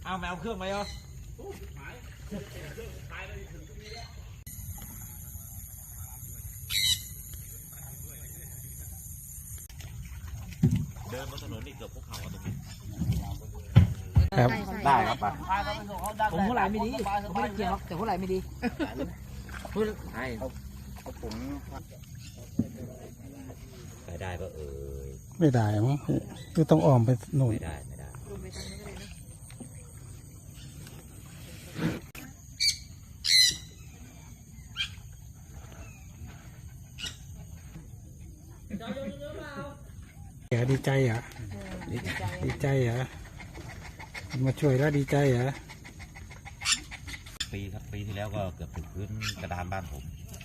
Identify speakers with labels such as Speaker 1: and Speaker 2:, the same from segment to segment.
Speaker 1: เอาแมวเครื่องไหมเหรอเดินบนถนนนี่เกือบภูเขาตรงนี้
Speaker 2: ครับ
Speaker 1: ได้ครับไป
Speaker 2: ผมหัวไหล่ไม่ดีผมไม่ได้เกี่ยวแต่หัวไหล่ไม่ดีพูดไอ้
Speaker 1: ผมไปได้ก็
Speaker 3: ไม่ได้มั้งคือต้องอ้อมไปหน่อย
Speaker 1: ไม่ได้
Speaker 3: ดีใจอ่ะดีใจอ่ะมาช่วยแล้วดีใจอ่ะ
Speaker 1: ปีที่แล้วก็เกือบถึงพื้นกระดานบ้านผม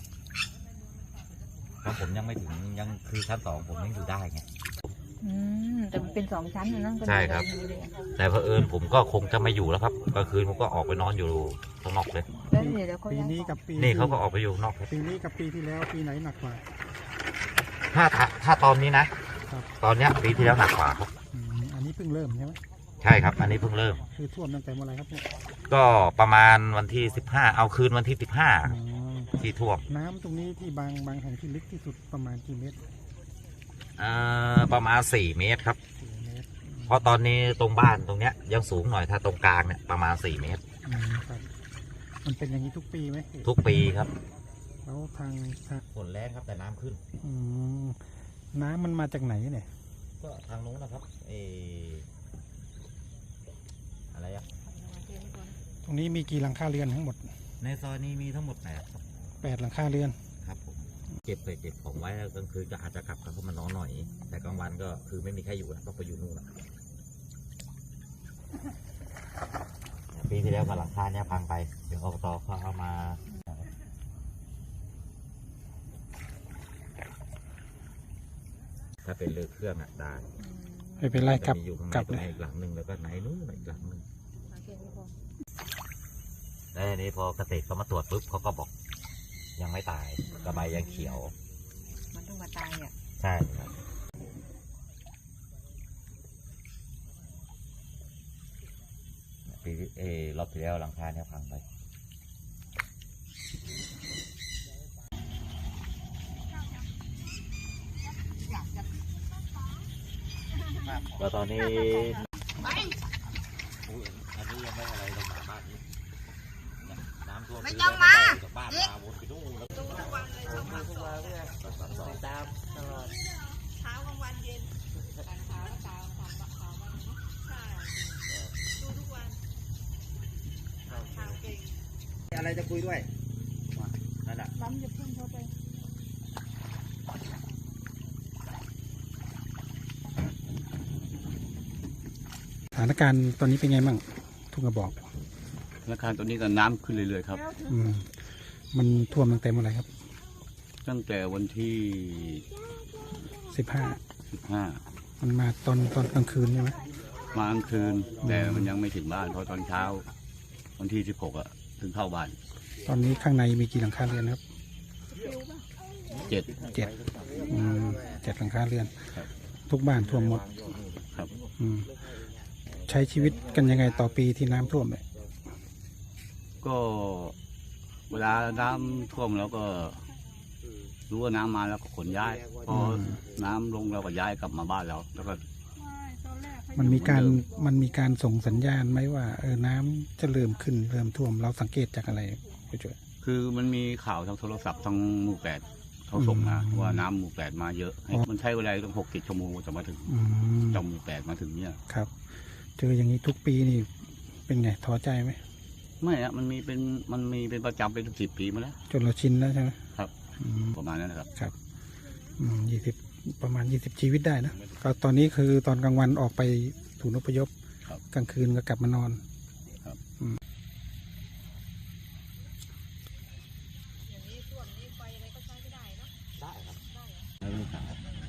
Speaker 1: เพราะผมยังไม่ถึงยังคือชั้น2ผมยังอยู่ได้ไง
Speaker 4: แต่มันเป็น2 ชั้นนะ
Speaker 1: ใช่ครับแต่เผอิญผมก็คงจะไม่อยู่แล้วครับกลางคืนผมก็ออกไปนอนอยู่ข้างนอกเลย
Speaker 3: ปีนี้กับปี
Speaker 1: นี่เขาก็ออกไปอยู่นอก
Speaker 3: ปีนี้กับปีที่แล้วปีไหนหนักกว่า
Speaker 1: ถ้าตอนนี้นะตอนเนี้ยปีที่แล้วหนักกว่าครับ
Speaker 3: อันนี้เพิ่งเริ่มใช่ไหม
Speaker 1: ใช่ครับอันนี้เพิ่งเริ่ม
Speaker 3: คือท่วมตั้งแต่เมื่อไรครับ
Speaker 1: ก็ประมาณวันที่15เอาคืนวันที่15ที่ท่วม
Speaker 3: น้ำตรงนี้ที่บางแห่งที่ลึกที่สุดประมาณกี่เมตร
Speaker 1: ประมาณ4 เมตรครับเพราะตอนนี้ตรงบ้านตรงเนี้ยยังสูงหน่อยถ้าตรงกลางเนี่ยประมาณ4 เมตร
Speaker 3: มันเป็นอย่างนี้ทุกปีไหม
Speaker 1: ทุกปีครับ
Speaker 3: แล้วทาง
Speaker 1: ฝนแรงครับแต่น้ำขึ้น
Speaker 3: น้ำมันมาจากไหนเนี่ย
Speaker 1: ก็ทางนู้นนะครับอะไรอะ
Speaker 3: ตรงนี้มีกี่หลังคาเรือนทั้งหมด
Speaker 1: ในซอยนี้มีทั้งหมด
Speaker 3: 8 หลังคาเรือน
Speaker 1: ครับผมเก็บของไว้แล้วกลางคืนก็อาจจะกลับเข้ามานอนหน่อยแต่กลางวันก็คือไม่มีใครอยู่ก็ไปอยู่นู่นนะปีที่แล้วกับหลังคาเนี่ยพังไปเดี๋ยวอบตเขาเอามาถ้าเป็นเรือเครื่องอ่ะได้
Speaker 3: ไม่เป็นไรครับ
Speaker 1: กลับอีกหลังหนึ่งแล้วก็ไหนนู้นอีกหลังหนึ่งแล้วนี้พอเกษตรเขามาตรวจปุ๊บเขาก็บอกยังไม่ตายกระใบยังเขียว
Speaker 4: มันต้องมาตายเนี่ย
Speaker 1: ใช่ครับปีรอบที่แล้วหลังคาเนี่ยพังไปก็ตอนนี้อันนี้ยังไม่อะไรต้องมาบ้านนี้น้ำท่วมไม่ต้องมาจากบ้านมาวนไปนู่นแล้วดูทุกวันเลยช่อง3 2ตามตลอด
Speaker 4: เช้ากลางวันเย็นเช้าก็เช้าใช่ดูทุกวันข่าวเก่ง
Speaker 1: อะไรจะคุยด้วยนั่นแหละ
Speaker 4: ล้ำจะพุ่งเข้าไป
Speaker 3: สถานการณ์ตอนนี้เป็นไงบ้างทุ่งกระบอก
Speaker 5: สถานการณ์ตอนนี้ก็น้ำขึ้นเรื่อยๆครับ
Speaker 3: มันท่วมตั้งแต่เมื่อไหร่ครับ
Speaker 5: ตั้งแต่วันที่
Speaker 3: 15มันมาตอนกลางคืนใช่ไหม
Speaker 5: มากลางคืนแต่มันยังไม่ถึงบ้านเพราะตอนเช้าวันที่16อ่ะถึงเข้าบ้าน
Speaker 3: ตอนนี้ข้างในมีกี่หลังคาเรือนครับ
Speaker 5: 7
Speaker 3: 7 หลังคาเรือนทุกบ้านท่วมหมด
Speaker 5: ครับ
Speaker 3: ใช้ชีวิตกันยังไงต่อปีที่น้ำท่วมเนี่ย
Speaker 5: ก็เวลาน้ำท่วมแล้วก็รู้ว่าน้ำมาแล้วก็ขนย้ายพอน้ำลงเราก็ย้ายกลับมาบ้านเราแล้วก็
Speaker 3: มันมีการส่งสัญญาณไหมว่าน้ำจะเริ่มขึ้นเริ่มท่วมเราสังเกตจากอะไรผู้ช่วย
Speaker 5: คือมันมีข่าวทางโทรศัพท์ทางหมู่8เขาส่งมาว่าน้ำหมู่8มาเยอะมันใช้เวลาต้อง6-7 ชั่วโมงจะมาถึงจำหมู่8มาถึงเนี่ย
Speaker 3: ครับเจออย่างนี้ทุกปีนี่เป็นไงท้อใจไหม
Speaker 5: ไม่อะมันมีเป็นประจำเป็น10 ปีมาแล้ว
Speaker 3: จนเราชินแล้วใช่ไหม
Speaker 5: ครับประมาณนั้นนะครับ
Speaker 3: ครับประมาณ20 ชีวิตได้นะก็ตอนนี้คือตอนกลางวันออกไปถูนอพยพกลางคืนก็กลับมานอน
Speaker 5: ครับ
Speaker 4: อย่างนี้ส่วนนี้ไฟอะไรก็ใช้ไม่ได้เนาะ
Speaker 1: ได้ครับ
Speaker 4: ลูกสาว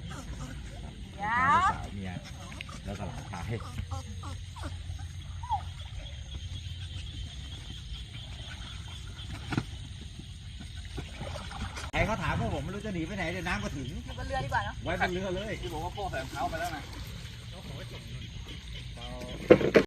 Speaker 1: เมียแล้วก็หลานชายใครเขาถามพวกผมไม่รู้จะหนีไปไหนเดี๋ยวน้ำก็ถึง
Speaker 4: บนเรือดีกว่าเนาะ
Speaker 1: ไว้บนเรือเลยที่บอกว่าพ่อแฝงเขาไปแล้วนะ